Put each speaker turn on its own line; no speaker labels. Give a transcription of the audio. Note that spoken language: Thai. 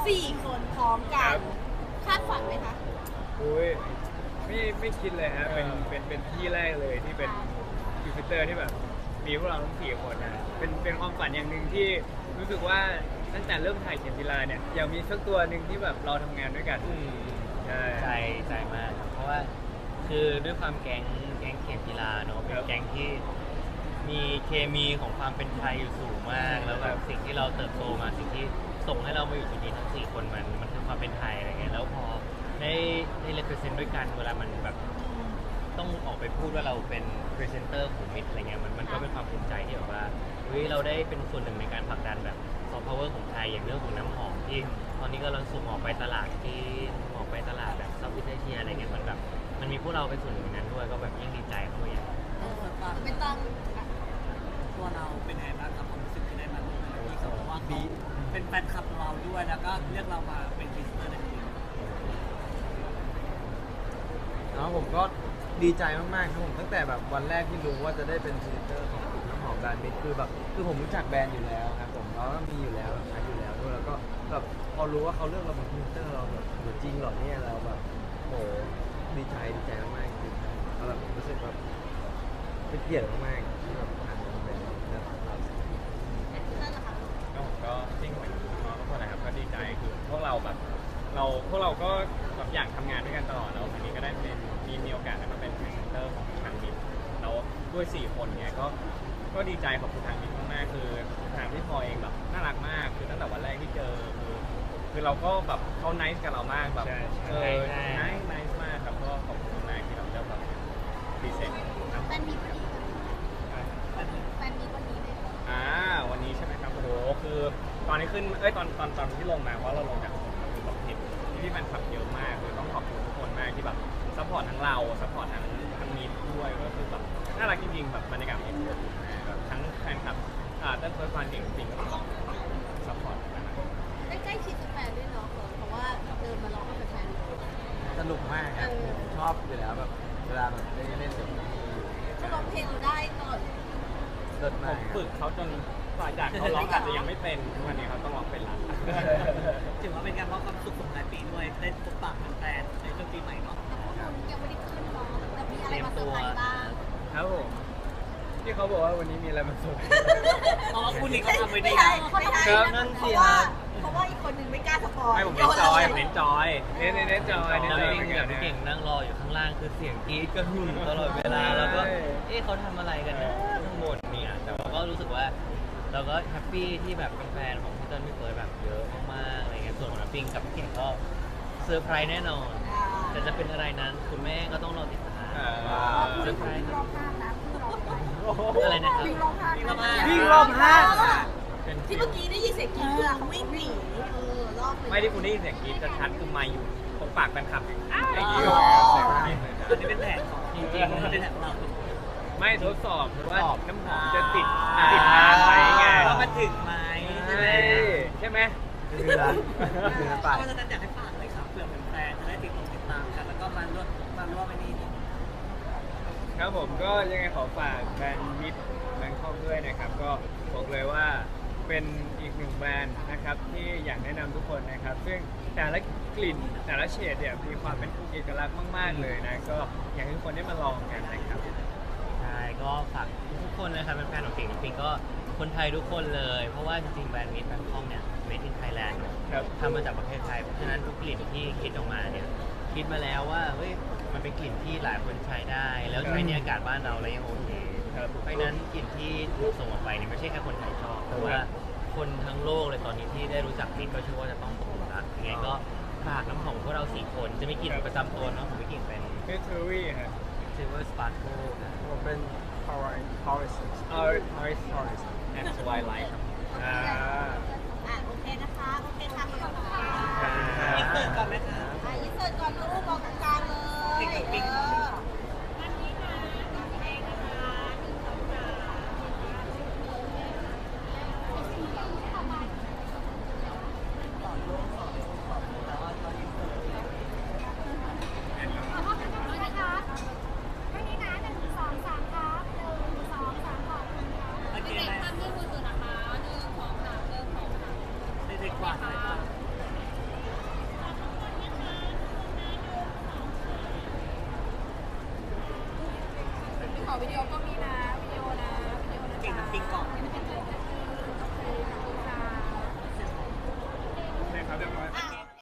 4 คนพร้อมกันคาดฝันไหมคะ
อุ้ยไม่คิดเลยฮะเป็นที่แรกเลยที่เป็นยูฟิเตอร์ที่แบบมีพวกเราทั้ง4 คนนะเป็นความฝันอย่างหนึ่งที่รู้สึกว่าตั้งแต่เริ่มถ่ายเข็มจีราเนี่ยอยากมีสักตัวหนึ่งที่แบบเราทำงานด้วยกันใช่
ใจมากครับเพราะว่าคือด้วยความแก๊งเข็มกีฬาเนอะเป็นแก๊งที่มีเคมีของความเป็นไทยอยู่สูงมากแล้วแบบสิ่งที่เราเติบโตมาสิ่งที่ส่งให้เรามาอยู่จุดนี้ทั้ง4 คนมันคือความเป็นไทยอะไรเงี้ยแล้วพอได้ represent ด้วยกันเวลามันแบบต้องออกไปพูดว่าเราเป็น presenter ของมิตรอะไรเงี้ยมันก็เป็นความภูมิใจที่แบบว่าเฮ้ยเราได้เป็นส่วนหนึ่งในการผลักดันแบบซอฟต์พาวเวอร์ของไทยอย่างเรื่องของน้ำหอมที่ตอนนี้ก็เราส่งออกไปตลาดที่ออกไปตลาดแบบเซาท์อีสเอเชียอะไรเงี้ยมันแบบมันมีพวกเราเป็นส่วนหนึ่งในนั้นด้วยก็แบบยิ่งดีใจเข้าไปใหญ่
ไม่ต้อง
ตัวเราเป็นไงบ้างครับความรู้สึกที่ได้มาร่วมงานที่เขาบอกว่าเขาเป็นแฟนคลับเราด้วยแล้วก็เรียกเรามาเป็นพรีเซนเตอร์ในทีม
แล้วผมก็ดีใจมากๆครับผมตั้งแต่แบบวันแรกที่รู้ว่าจะได้เป็นพรีเซนเตอร์ของน้ำหอมแบรนด์มิตรคือผมรู้จักแบรนด์อยู่แล้วครับผมแล้วก็มีอยู่แล้วใช้อยู่แล้วด้วยแล้วก็แบบพอรู้ว่าเขาเลือกเราเป็นพรีเซนเตอร์เราแบบโหจริงเหรอเนี่ยเราแบบโหดีใจมากๆจริงๆแล้วแบบรู้สึกแบบเป็นเกียรติมากๆที่แบบทางแบรนด์เลือกเรา
นั่นแหละค่ะ
ก็จริงเหมือนน้องทุกคนนะครับก็ดีใจคือพวกเราแบบพวกเราก็แบบอยากทำงานด้วยกันตลอดแล้ววันนี้ก็ได้มีโอกาสได้มาเป็นพรีเซนเตอร์ของทางมิตรแล้วด้วย4 คนเนี่ยก็ดีใจขอบคุณทางมิตรมากๆคือทางพี่พลอยเองแบบน่ารักมากคือตั้งแต่วันแรกที่เจอคือเราก็แบบเขาไนซ์กับเรามากแบบไนซ์มากครับก็ขอบคุณมากที่เราได้แบบพรีเซนต์ครับ
แฟนมีวันนี้แฟนมีวันนี้เลย
วันนี้ใช่ไหมครับโอ้โหคือตอนนี้ขึ้นตอนที่ลงมาเพราะเราลงจากคือแบบเห็นพี่แฟนคลับเยอะมากคือต้องขอบคุณทุกคนมากที่แบบซัพพอร์ตทั้งเราซัพพอร์ตทั้งมีด้วยก็คือแบบน่ารักจริงๆแบบบรรยากาศมีแบบทั้งแฟนคลับเต้นเฟิร์สวันเก่งจริงก็ต้องซัพพอร์ตกันนะ
ได้ใกล้ชิดกับแฟนด้วยเนาะเพราะว่าเดินมาร้องกับแฟน
สนุกมากครับผมชอบอยู่แล้วแบบเวลาแบบเล่นเดี๋ยวมีอยู่
จะร้องเพลงเราได้ตลอด
เลิศ
ผม
าก
ฝึกเขาจนฝ่ายจากเขาร้องอาจจะยังไม่เป็นทุกวันนี้เขาต้องร้องเป็นละ
ถือว่าเป็นการมอบความสุขส่งท้ายปีด้วยได้พบปะแฟนๆในช่วงปีใหม่เนาะ
แต่พวกคุณยังไม่ได้ขึ้นเนาะแต่มีอะไรมาเซอร์ไพรส์บ้าง
ครับผมที่เขาบอกว่าวันนี้มีอะไรมาส่ง
เพราะว่าคุณนี่เขาทำไว้ดี
ไม่ใช่
ครับ
นั่นสิเพราะว่าอีกคนหนึ่งไม่กล้าสปอย
ไม่ผมเน้นจอยผมเน้นจอยเน้นจอย
แล้วพี่เก่งนั่งรออยู่ข้างล่างคือเสียงกรี๊ดกระหึ่มตลอดเวลาแล้วก็เขาทำอะไรกันนะข้างบนเนี่ยแต่ว่าก็รู้สึกว่าเราก็แฮปปี้ที่แบบเป็นแฟนของพี่เติ้ลพี่เฟิร์สแบบเยอะมากๆอะไรเงี้ยส่วนของน้ำปิงกับพี่เก่งก็เซอร์ไพรส์แน่นอนแต่จะเป็นอะไรนั้นคุณแม่ก็ต้องรอติดตามเซอร์ไพรส์อะไรนะครับ
วิ่งรอบห้าง
วิ่งรอบห้าง
ที่เมื่อกี้ได้ยินเสียงกรี๊ดคือวิ่งหนีรอบ
ไม่ที่คุณได้ยินเสียงกรี๊ดชัดๆคือไมค์อยู่ตรงปากแฟนคลับอย่างนี้
อันนี้เป็นแผนของจริงๆเป็นแผนของเรา
ไม่ทดสอบว่าน้ำหอมจะติดทางไหมไง
ว่ามันถึงไหม
ใช่ไหม
คือร้านไป
ก็จะอยากให้ฝากเลยครับเผื่อแฟนๆจะได้ติดตามกันแล้วก็มาร่วมในนี้
ครับผมก็ยังไงขอฝากแบรนด์มิตรแบงคอกด้วยนะครับก็บอกเลยว่าเป็นอีกหนึ่งแบรนด์นะครับที่อยากแนะนำทุกคนนะครับซึ่งแต่ละกลิ่นแต่ละเฉดเนี่ยมีความเป็นเอกลักษณ์มากๆเลยนะก็อยากให้ทุกคนได้มาลองกันนะครับ
ใช่ก็ฝากทุกคนนะครับเป็นแฟนของเก่งปิงก็คนไทยทุกคนเลยเพราะว่าจริงๆแบรนด์มิตรแบงคอกเนี่ย made in Thailand
ครับ
ทำมาจากประเทศไทยเพราะฉะนั้นทุกกลิ่นที่คิดออกมาเนี่ยคิดมาแล้วว่าเฮ้ยมันเป็นกลิ่นที่หลายคนใช้ได้ แล้วใช้ในอากาศบ้านเราแล้วยังโอเค
ครับ
เพราะฉะนั้นกลิ่นที่ถูกส่งออกไปเนี่ยไม่ใช่แค่คนไทยชอบแต่ว่าคนทั้งโลกเลยตอนนี้ที่ได้รู้จักมิตรก็เชื่อว่าจะต้องตกหลุมรักยังไงก็ฝากน้ำหอมของพวกเรา4 คนจะมีกลิ่นประจำตัวเนาะผมมีกลิ่นเป็น
เฟสทูรี่ฮะ
Silver Sparkle นะ
ผมเป็น Horace
Ours and Twilight ครับ
โอเคนะคะโอเคค่ะขอบคุณค่ะ
อินเสิร์ตก่อนไหมคะ
อินเสิร์ตก่อนลูกบอกตรงกลางเลย
ติ๊กติ๊ก โอเคไหมเด็กๆกว่า
วิดีโอก็มีนะวิดีโอนะวิดีโอนะ
เก่งนะปิงกล่อง
จ๊ะ